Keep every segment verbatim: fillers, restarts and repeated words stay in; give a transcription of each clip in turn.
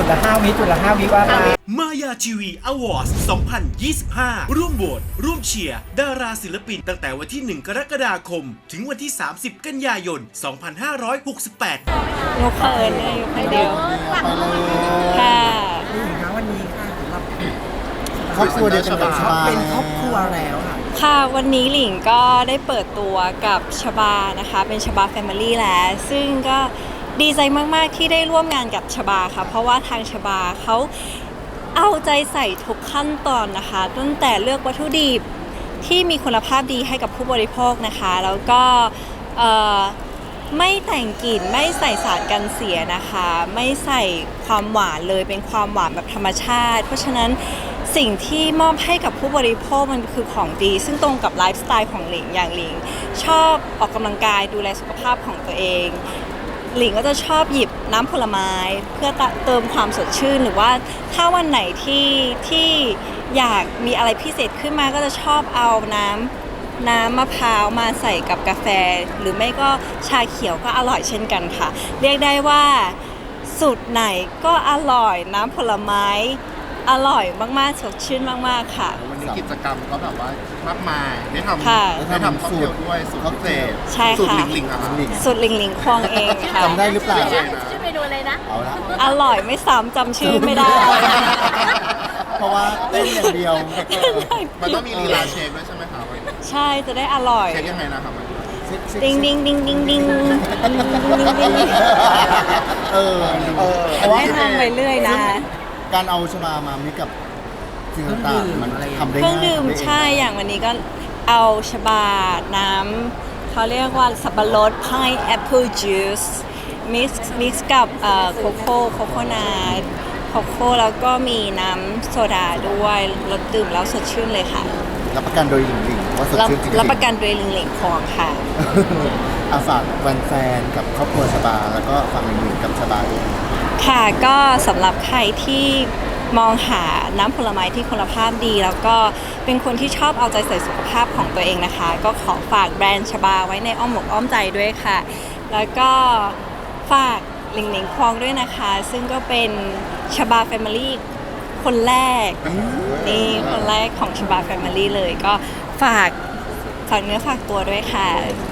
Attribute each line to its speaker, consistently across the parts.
Speaker 1: จุดละห้าวิจุดละห้าวิว่ามา
Speaker 2: มายาทีวีอวอร์ดสองพันยี่สิบห้าร่วมโหวตร่วมเชียร์ดาราศิลปินตั้งแต่วันที่หนึ่งกรกฎาคมถึงวันที่สามสิบกันยายนสองพันห้าร้อยหกสิบแปด
Speaker 3: หนูเขินเลยอยู่คนเดียวค่ะ
Speaker 1: นี่นะวันนี้ค่ะสำหรับ
Speaker 4: ครอบครัวเดียวกันกับชบา
Speaker 1: เป็นครอบครัวแล้วค่ะ
Speaker 3: ค่ะวันนี้หลิงก็ได้เปิดตัวกับชบานะคะเป็นชบาแฟมิลี่แล้วซึ่งก็ดีใจมากๆที่ได้ร่วมงานกับชบาค่ะเพราะว่าทางชบาเขาเอาใจใส่ทุกขั้นตอนนะคะตั้งแต่เลือกวัตถุดิบที่มีคุณภาพดีให้กับผู้บริโภคนะคะแล้วก็ไม่แต่งกลิ่นไม่ใส่สารกันเสียนะคะไม่ใส่ความหวานเลยเป็นความหวานแบบธรรมชาติเพราะฉะนั้นสิ่งที่มอบให้กับผู้บริโภคมันคือของดีซึ่งตรงกับไลฟ์สไตล์ของหลิงอย่างหลิงชอบออกกำลังกายดูแลสุขภาพของตัวเองหลิงก็จะชอบหยิบน้ำผลไม้เพื่อเติมความสดชื่นหรือว่าถ้าวันไหนที่ที่อยากมีอะไรพิเศษขึ้นมาก็จะชอบเอาน้ำน้ำมะพร้าวมาใส่กับกาแฟหรือไม่ก็ชาเขียวก็อร่อยเช่นกันค่ะเรียกได้ว่าสูตรไหนก็อร่อยน้ำผลไม้อร่อยมากๆสดชื่นมากๆค่ะ
Speaker 4: วันนี้กิจกรรมก็แบบว่ามากมายได้ทำ
Speaker 3: ค่ะ
Speaker 4: ได้ทำค็อกเทลด้วยสูตรพิเศษ
Speaker 3: ใช่
Speaker 4: สูตร
Speaker 3: ค่ะ
Speaker 4: ลิงลิงอะครับ
Speaker 3: สูตรหลิงหลิงควงเองค่ะ
Speaker 4: จำได้หรือเปล่า
Speaker 5: ชื่อเมนูอะไรนะ
Speaker 4: เอาละ
Speaker 3: อร่อยไม่ซ้ำจำชื่อไม่ได้
Speaker 4: เพราะว่าเต้นอย่างเดียว มันต้องมีลีลาเชฟด้วยใช่ไหมครับ
Speaker 3: ใช่จะได้อร่อย
Speaker 4: เชฟยังไงนะครับ
Speaker 3: ดิงดิงดิงดิงดิงดิงดิง
Speaker 4: เออเออ
Speaker 3: ให้ทำไปเรื่อยนะ
Speaker 4: การเอาชบามามิกกับสิ่งต่างๆมันทำได้
Speaker 3: เครื่อง
Speaker 4: ง่าย
Speaker 3: ดื่ม
Speaker 4: ทำได้เง
Speaker 3: ใช่อย่างวันนี้ก็เอาชบาน้ำเขาเรียกว่าสับปะรด pineapple juice mix mix กับโคโค่โคโคนัทโคโค่แล้วก็มีน้ำโซดาด้วยรสดื่มแล้วสดชื่นเลยค่ะ
Speaker 4: รับประกันโดยหลิงหลิงว่าสด
Speaker 3: รับ
Speaker 4: ชื่นจริงๆ
Speaker 3: รับประกันโดยลิงหลิงคองค่ะ
Speaker 4: อาฝากแฟนๆกับครอบครัวชบาแล้วก็ฝากหลิงหลิงกับชบาด้วย
Speaker 3: ค่ะก็สำหรับใครที่มองหาน้ำผลไม้ที่คุณภาพดี แล้วก็เป็นคนที่ชอบเอาใจใส่สุขภาพของตัวเองนะคะ ก็ขอฝากแบรนด์ชบาไว้ในอ้อมอกอ้อมใจด้วยค่ะ แล้วก็ฝากหลิงหลิงควองด้วยนะคะ ซึ่งก็เป็นชบาแฟมิลี่คนแรกนี่คนแรกของชบาแฟมิลี่เลยก็ฝากฝากเนื้อฝากตัวด้วยค่ะ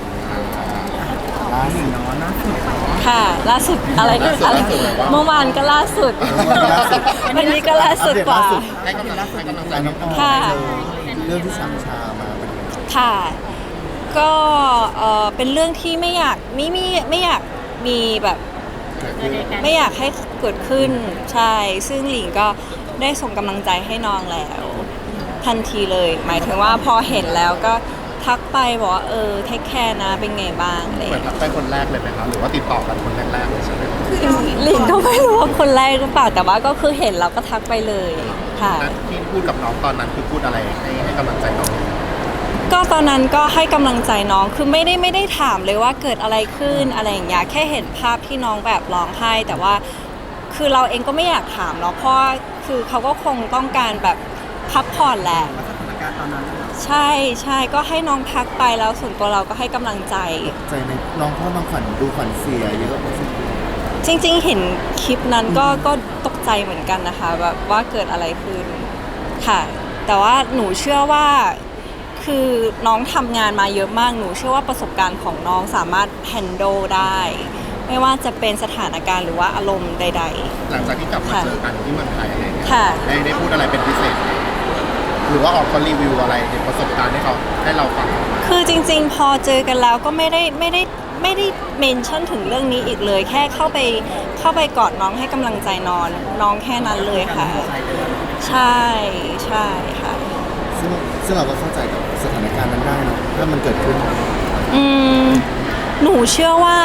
Speaker 4: ล่าสุด
Speaker 1: เนาะนะสุด
Speaker 3: ค่ะล่าสุดอะไรก็อะไรเมื่อวานก็ล่าสุด วันนี้ก็ล่าสุดกว่า
Speaker 4: ให้กำลังให้กำลังใจน้องออม
Speaker 3: ค่ะ
Speaker 4: เรื่องที่สามชามาเป็นไง
Speaker 3: ค่ะ ก็เอ่อเป็นเรื่องที่ไม่อยากไม่ไม่ไม่อยากมีแบบไม่อยากให้เกิดขึ้นใช่ซึ่งหลิงก็ได้ส่งกำลังใจให้น้องแล้ว ทันทีเลย หมายถึงว่าพอเห็นแล้วก็ทักไปบอกว่าเออเทคแคร์นะเป็นไงบ้างอะไรอ
Speaker 4: เหมื
Speaker 3: ย่า
Speaker 4: อน
Speaker 3: ง
Speaker 4: ทั
Speaker 3: เงี้ย
Speaker 4: กไปคนแรกเลยไหมครับหรือว่าติดต่อกันคนแรกๆเลยใช่ไหม
Speaker 3: หลิงก็ไม่รู้ว่าคนแรกหรือเปล่าแต่ว่าก็คือเห็นแล้วก็ทักไปเลยค่ะ
Speaker 4: นัดที่พูดกับน้องตอนนั้นคือพูดอะไรให้ให้กำลังใจน้อง
Speaker 3: ก็ตอนนั้นก็ให้กำลังใจน้องคือไม่ได้ไม่ได้ถามเลยว่าเกิดอะไรขึ้นอะไรอย่างเงี้ยแค่เห็นภาพที่น้องแบบร้องไห้แต่ว่าคือเราเองก็ไม่อยากถามเนาะเพราะว่าคือเขาก็คงต้องการแบบพักผ่อนแหละ
Speaker 1: สถานการณ์ตอนนั้น
Speaker 3: ใช่ใช่ก็ให้น้องพักไปแล้วส่วนตัวเราก็ให้กำลังใจ
Speaker 4: ใจในน้องพ่อน้องขวัญดูขวัญเสียเยอะพอสมควร
Speaker 3: จริงๆเห็นคลิปนั้นก็ก็ตกใจเหมือนกันนะคะแบบว่าเกิดอะไรขึ้นค่ะแต่ว่าหนูเชื่อว่าคือน้องทำงานมาเยอะมากหนูเชื่อว่าประสบการณ์ของน้องสามารถ handle ได้ ไม่ว่าจะเป็นสถานการณ์หรือว่าอารมณ์ใด
Speaker 4: หลังจากที่กลับมาเจอกันที่เมืองไทยอะไรเงี้ย
Speaker 3: ค่ะ
Speaker 4: ได้ได้พูดอะไรเป็นพิเศษไหมหรือว่าออกมารีวิวอะไรในประสบการณ์ให้เขาให้เราฟัง
Speaker 3: ๆ คือจริงๆ พอเจอกันแล้วก็ไม่ได้ไม่ได้ไม่ได้เมนชั่นถึงเรื่องนี้อีกเลย แค่เข้าไปเข้าไปกอดน้องให้กำลังใจนอนน้องแค่นั้นเลยค่ะ ใช่ใช่ค่ะ
Speaker 4: ซึ่งซึ่งเราก็เข้าใจกับสถานการณ์นั้นได้เนอะถ้ามันเกิดขึ้น
Speaker 3: อืมหนูเชื่อว่า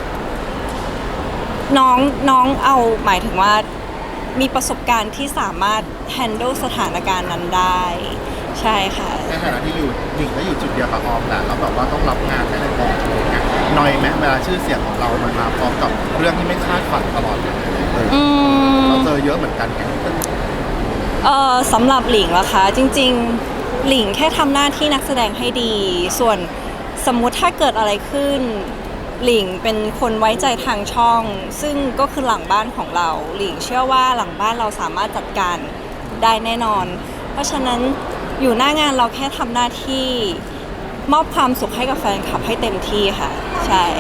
Speaker 3: น้องน้องเอาหมายถึงว่ามีประสบการณ์ที่สามารถ handle สถานการณ์นั้นได้ ใช่ค่ะ
Speaker 4: ในฐานะที่อยู่หนิงก็อยู่จุดเดียวกับออมแหละแล้วแบบว่าต้องรับงานหลายๆแบบอะไรเงี้ยน้อยไหมเวลาชื่อเสียงของเรามันมาพร้อมกับเรื่องที่ไม่คาดฝันตลอดเลยเออ
Speaker 3: อืม
Speaker 4: เราเจอเยอะเหมือนกันไง
Speaker 3: เอ่อสำหรับหลิงล่ะคะจริงๆหลิงแค่ทำหน้าที่นักแสดงให้ดี ส่วนสมมุติถ้าเกิดอะไรขึ้นหลิงเป็นคนไว้ใจทางช่อง ซึ่งก็คือหลังบ้านของเราหลิงเชื่อว่าหลังบ้านเราสามารถจัดการได้แน่นอน เพราะฉะนั้นอยู่หน้างานเราแค่ทำหน้าที่มอบความสุขให้กับแฟนคลับให้เต็มที่ค่ะใช่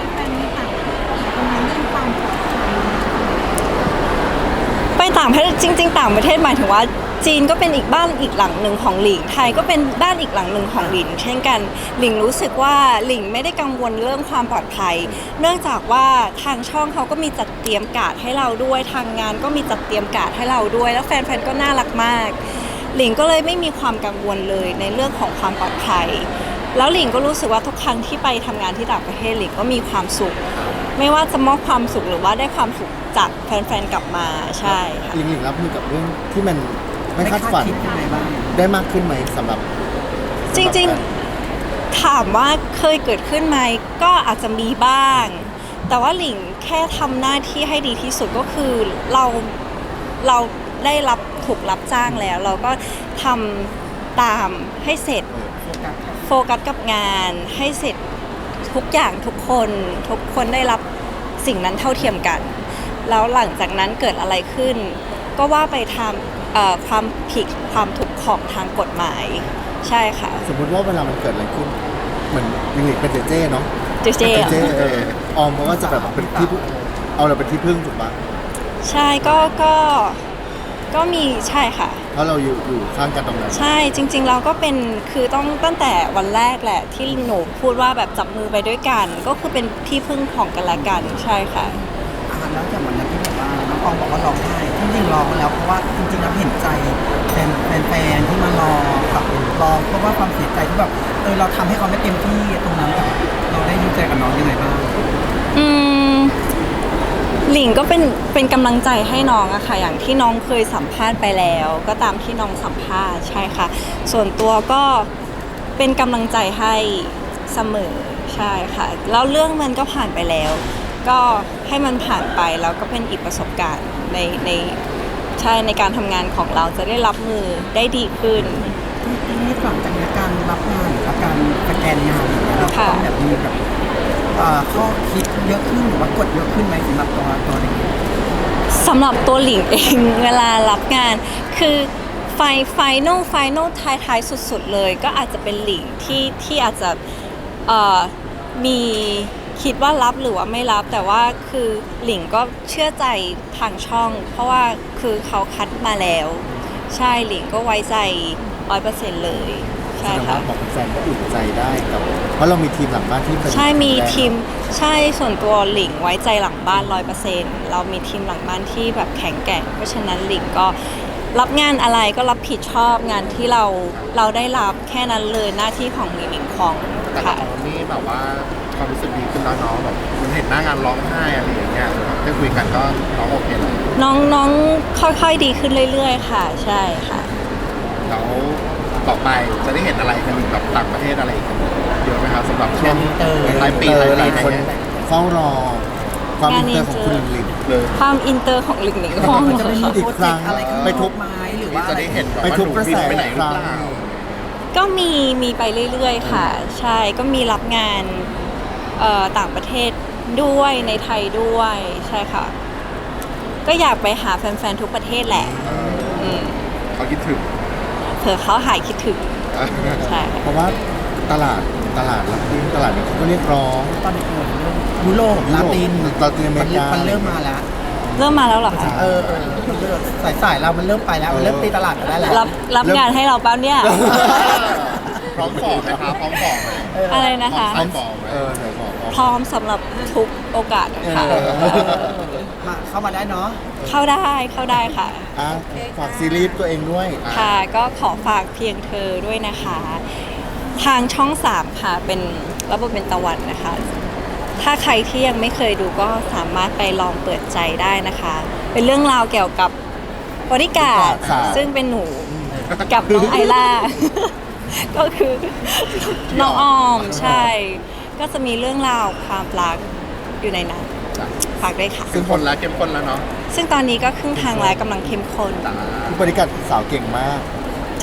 Speaker 3: ไปต่างประเทศจริงๆต่างประเทศหมายถึงว่าจีนก็เป็นอีกบ้านอีกหลังหนึ่งของหลิงไทยก็เป็นบ้านอีกหลังหนึ่งของหลิงเช่นกันหลิงรู้สึกว่าหลิงไม่ได้กังวลเรื่องความปลอดภัยเนื่องจากว่าทางช่องเขาก็มีจัดเตรียมการ์ดให้เราด้วยทางงานก็มีจัดเตรียมการ์ดให้เราด้วยแล้วแฟนๆก็น่ารักมากหลิงก็เลยไม่มีความกังวลเลยในเรื่องของความปลอดภัยแล้วหลิงก็รู้สึกว่าทุกครั้งที่ไปทำงานที่ต่างประเทศหลิงก็มีความสุขไม่ว่าจะมอบความสุขหรือว่าได้ความสุขจากแฟนๆกลับมาใช่ค่ะ
Speaker 4: หลิงหลิงรับมือกับเรื่องที่มันไม่คาดฝัน
Speaker 1: คิดยังไงบ้าง
Speaker 4: ได้มากขึ้นไหมสำหรับ
Speaker 3: จริงๆถามว่าเคยเกิดขึ้นไหมก็อาจจะมีบ้าง แต่ว่าหลิงแค่ทำหน้าที่ให้ดีที่สุดก็คือเราเราได้รับถูกรับจ้างแล้ว เราก็ทำตามให้เสร็จโฟกัสกับงานให้เสร็จทุกอย่างทุกคนทุกคนได้รับสิ่งนั้นเท่าเทียมกัน แล้วหลังจากนั้นเกิดอะไรขึ้น ก็ว่าไปทำเอ่อความผิดความถูกของทางกฎหมายใช่ค่ะ
Speaker 4: สมมติว่าเวลามันเกิดอะไรขึ้นเหมือนหลิงหลิงเป็นเจเจเนาะ
Speaker 3: เจเจ
Speaker 4: เป็นเจเจเออออมเขาก็จะแบบเป็นที่พึ่งเอาเราเป็นที่พึ่งถูกปะ
Speaker 3: ใช่ก็ก็ก็มีใช่ค่ะ
Speaker 4: เพราะเราอยู่อยู่ข้างกันตรงนั้น
Speaker 3: ใช่จริงๆเราก็เป็นคือต้องตั้งแต่วันแรกแหละที่หนูพูดว่าแบบจับมือไปด้วยกัน ก็คือเป็นที่พึ่งของกันและกันใช่ค่ะ
Speaker 1: อ่าแล้วจากวันนั้นที่แบบว่าน้องออมบอกว่าร้องไห้ที่จริงร้องแล้วเพราะว่าจริงๆแล้วเห็นใจแฟนแฟนๆที่มารอแบบรอเพราะว่าความเสียใจที่แบบเออเราทำให้เขาไม่เต็มที่ตรงนั้นแบบเราได้ดีใจกับน้องยังไงบ้าง
Speaker 3: อืมหลิงก็เป็นเป็นกำลังใจให้น้องอะค่ะอย่างที่น้องเคยสัมภาษณ์ไปแล้ว ก็ตามที่น้องสัมภาษณ์ใช่ค่ะ ส่วนตัวก็เป็นกำลังใจให้เสมอใช่ค่ะ แล้วเรื่องมันก็ผ่านไปแล้ว ก็ให้มันผ่านไปแล้วก็เป็นอีกประสบการณ์ในในใช่ในการทำงานของเราจะได้รับมือได้ดีขึ้น
Speaker 1: ทีนี้หลังจากนี้การรับงานหรือว่าการสแกนงานอย่างเงี้ยเราต้องแบบมีแบบเอ่อข้อคิดเยอะขึ้นหรือว่ากดเยอะขึ้นไหมสำหรับตัวตัวเด็ก
Speaker 3: สำหรับตัวหลิงเอง เวลารับงานคือไฟไฟนอลไฟนอลท้ายท้ายสุดๆเลยก็อาจจะเป็นหลิงที่ที่อาจจะเอ่อมีคิดว่ารับหรือว่าไม่รับแต่ว่าคือหลิงก็เชื่อใจทางช่อง เพราะว่าคือเขาคัดมาแล้ว ใช่หลิงก็ไว้ใจร้อยเปอร์เซ็นต์เลยใช่
Speaker 4: แสดง
Speaker 3: ค่ะ
Speaker 4: ว่าบอกแฟนก็อุ่นใจได้กับเพราะเรามีทีมหลังบ้านที่เป็น
Speaker 3: ใช่มี
Speaker 4: แข็งแรง
Speaker 3: ทีมใช่ส่วนตัวหลิงไว้ใจหลังบ้านร้อยเปอร์เซ็นต์เรามีทีมหลังบ้านที่แบบแข็งแกร่งเพราะฉะนั้นหลิงก็รับงานอะไรก็รับผิดชอบงานที่เราเราได้รับแค่นั้นเลยหน้าที่ของหลิงของ
Speaker 4: แต่
Speaker 3: ค่ะ
Speaker 4: ตอนนี้แบบว่าความรู้สึกดีขึ้นแล้วเน้องแบบมันเห็นหน้างานร้องไห้อะไรอย่างเงี้ยได้คุยกันก็น้องโอเคเลย
Speaker 3: น้องน้องค่อยๆดีขึ้นเรื่อยๆ ค่ะ ใช่ค่ะ
Speaker 4: แล้วต่อไปจะได้เห็นอะไรกันแบบต่างประเทศอะไรอีกกันเยอะไหมครับสำหรับช่วงปลายปีปลายปีอะไรเงี้ยเฝ้ารอความอินเตอร์ของคุณหลิงเลย
Speaker 3: ความอินเตอร์ของหลิงหลิงห้อง
Speaker 1: มันจะไม่มี
Speaker 4: อีก
Speaker 1: โปร
Speaker 4: ค
Speaker 1: เจ
Speaker 4: รั้
Speaker 1: ก
Speaker 4: ง
Speaker 1: ต์อะไรขึ้น
Speaker 4: ไปทุบ
Speaker 1: ไม้หรือ
Speaker 4: นี่
Speaker 1: ว่า
Speaker 4: จะได้เห็นแบบไปว่าทุบหนูกระบิ แสนไปไหนหรือ
Speaker 3: ก็
Speaker 4: เปล่า
Speaker 3: มีมีไปเรื่อยๆ ค่ะ ใช่ก็มีรับงานเอ่อต่างประเทศด้วยในไทยด้วยใช่ค่ะ ก็อยากไปหาแฟนๆ ทุกประเทศแหละอืม
Speaker 4: เขาคิดถึง
Speaker 3: เผื่อเขาหายคิดถึงใช่
Speaker 4: เพราะว่าตลาดตลาดลาตินตลาดนี้เขาก็เรียกร้อง
Speaker 1: ตอนนี้เออเริ่มยุโรปลาติน
Speaker 4: ลาตินอเมริกา
Speaker 1: มันเริ่มมาแล้ว
Speaker 3: เริ่มมาแล้วเหรอคะ
Speaker 1: เออเออสายสายๆเรามันเริ่มไปแล้วมันเริ่มตีตลาดกันได้แล้ว
Speaker 3: รับรับงานให้เราเปล่าเนี่ย
Speaker 4: พร้อมบอกไหมครับพร้อมบอกไหม
Speaker 3: อะไรนะคะ
Speaker 4: พร้อมบอกไหมเออไหนบอก
Speaker 3: พร้อมสำหรับทุกโอกาสค่ะ
Speaker 4: เออ
Speaker 1: มาเข้ามาได้เนาะ
Speaker 3: เข้าได้เข้าได้ค่ะ
Speaker 4: อ่ะฝากซีรีส์ตัวเองด้วย
Speaker 3: ค่ะก็ขอฝากเพียงเธอด้วยนะคะ ทางช่องสามค่ะเป็นระบบเป็นตะวันนะคะ ถ้าใครที่ยังไม่เคยดูก็สามารถไปลองเปิดใจได้นะคะ เป็นเรื่องราวเกี่ยวกับบริการด
Speaker 4: ค่ะ
Speaker 3: ซึ่งเป็นหนูกับน้องไอล่า ก็คือน้องออมใช่ ก็จะมีเรื่องราวความรักอยู่ในนั้นฝากด้วยค่ะ
Speaker 4: ซึ่งคนละเข้มข้นแล้วเนาะ
Speaker 3: ซึ่งตอนนี้ก็ครึ่งทางแล้วกำลังเข้มข้น
Speaker 4: ผู้บริการสาวเก่งมาก
Speaker 3: ใช่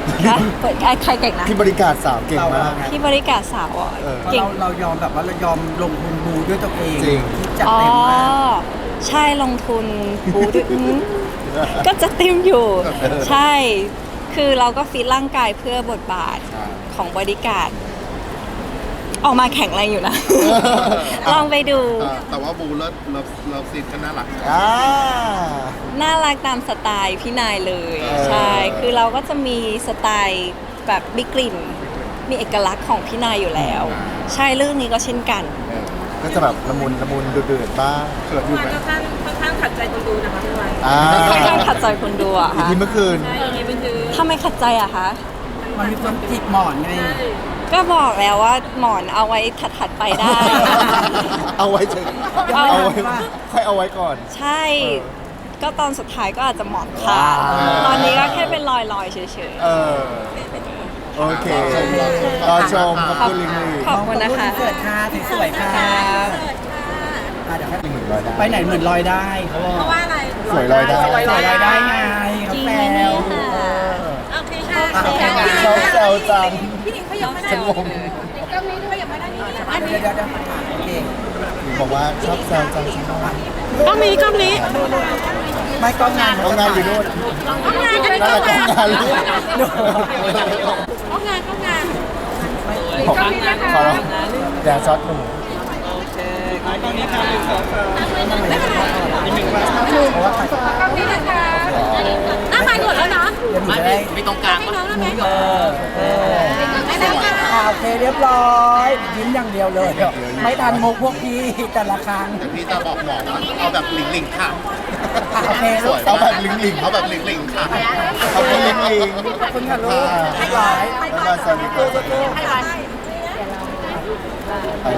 Speaker 3: คะเปิดใครเก่งนะ
Speaker 4: พี่บริการสาวเก่งมาก
Speaker 3: พี่บริการสาวอ่ะ
Speaker 4: เออ
Speaker 3: เก่ง
Speaker 1: เราเรายอมแบบว่าเรายอมลงทุนบูด้วยตัวเอง
Speaker 4: จริง
Speaker 1: ที่จัด
Speaker 3: อ๋อ
Speaker 1: เต็มมาก
Speaker 3: ใช่ลงทุนบูด้วยอืมก็จะเต็มอยู่ ใช่ คือเราก็ฟิตร่างกายเพื่อบทบาทของบริการดออกมาแข็งแรงอยู่นะ ลองไปดู
Speaker 4: เออแต่ว่าบูเลิศเลิฟเลิฟซีนก็น่ารัก
Speaker 3: น่ารักตามสไตล์พี่นายเลย
Speaker 4: เออ
Speaker 3: ใช่ คือเราก็จะมีสไตล์แบบมีกลิ่น มีเอกลักษณ์ของพี่นายอยู่แล้ว ใช่เรื่องนี้ก็เช่นกัน
Speaker 4: ก็จะแบบละมุนละมุนเดือดๆบ้างเกิดอยู่
Speaker 5: มัน
Speaker 4: ไหม
Speaker 5: ค่อนข้างค่อนข้างขัดใจคนดูนะคะพี่วัน
Speaker 4: อ่า
Speaker 3: ค่อนข้างขัดใจคนดูอะ
Speaker 4: อี
Speaker 3: ค่ะ
Speaker 4: พีเมื่อคืน
Speaker 5: ใช่อย่างนี้มันคือ
Speaker 3: ทำไมขัดใจอะคะ
Speaker 1: มันมีความจิกหมอนไง
Speaker 5: ใช่
Speaker 3: ก็บอกแล้วว่าหมอนเอาไว้ถัดๆไปได้
Speaker 4: เอาไว้เถอะ
Speaker 3: เอา
Speaker 4: เอาไว้ค่อยเอาไว้ก่อน
Speaker 3: ใช่ ก็ตอนสุดท้ายก็อาจจะหมอนขาด
Speaker 4: อ่า
Speaker 3: ตอนนี้ก็แค่เป็นรอยๆเฉย
Speaker 4: เออ โอเค รอชมขอบคุณลิงลี่
Speaker 3: ๆ ขอบคุณนะคะ
Speaker 1: เกิดค่ะสวยๆค่ะอ่ะเดี๋ยวให้
Speaker 4: หนึ่งร้อยได้
Speaker 1: ไปไหนเหมือนลอยได้เขาบอก
Speaker 5: เพราะว่าอะไร
Speaker 4: สวยลอยได้
Speaker 1: สวยลอยได้ไงเขา
Speaker 3: จริง
Speaker 1: แซ
Speaker 3: ไหมเนี่
Speaker 1: วย
Speaker 5: โอเคค่ะ
Speaker 1: อ่ะโอเคค่ะ
Speaker 4: ชอบแซวจัง
Speaker 5: พี่หนิงเขายังไม่ได้
Speaker 4: ฉันงง
Speaker 5: ก็ไม่ได้ยังไม่ได้นี่อัน
Speaker 1: เดี๋
Speaker 5: นี้
Speaker 1: ยวเดี๋ยวเดี๋ยวโอเค
Speaker 4: บอกว่าชอบแซวจังฉันงง
Speaker 5: กล้องนี้กล้องนี้
Speaker 1: ไม่ก็งาน
Speaker 4: ต้องงานอยู่นู่น
Speaker 5: กล้องงานอันนี้
Speaker 4: นั่
Speaker 5: ก
Speaker 4: น
Speaker 5: ล้
Speaker 4: แห
Speaker 5: อง
Speaker 4: ละต้อง
Speaker 5: งาน
Speaker 4: งานลูก
Speaker 5: กล้องงานกล้องงาน
Speaker 4: ขอขออย่าช็อตหนู
Speaker 1: เพราะว่าถ่าย
Speaker 5: กล้องนี้นะคะอ่ะถ่ายหมดแล้วเนาะ
Speaker 1: เดี๋ยวหนูจะได้
Speaker 5: ให้น้องได้ไหม
Speaker 1: เออเออ
Speaker 5: ไม่ได้ค่ะ
Speaker 1: อ่าโอเคเรียบร้อยยิ้มอย่างเดียวเลย ไม่ทันมุกพวกพี่แต่ละครั้ง
Speaker 4: เดี๋ยวพี่จะบอกหมอว่าเอาแบบลิงลิงค่ะ
Speaker 1: อ่ะโอเค
Speaker 4: ส
Speaker 1: ลูก
Speaker 4: วยเอาแบบลิงลิงเอาแบบลิงลิงค่ะเอาเป็นลิงลิง
Speaker 1: ขอบคุณค่ะลูก
Speaker 4: บ๊ายบายบ๊ายบายสวัสดีครับ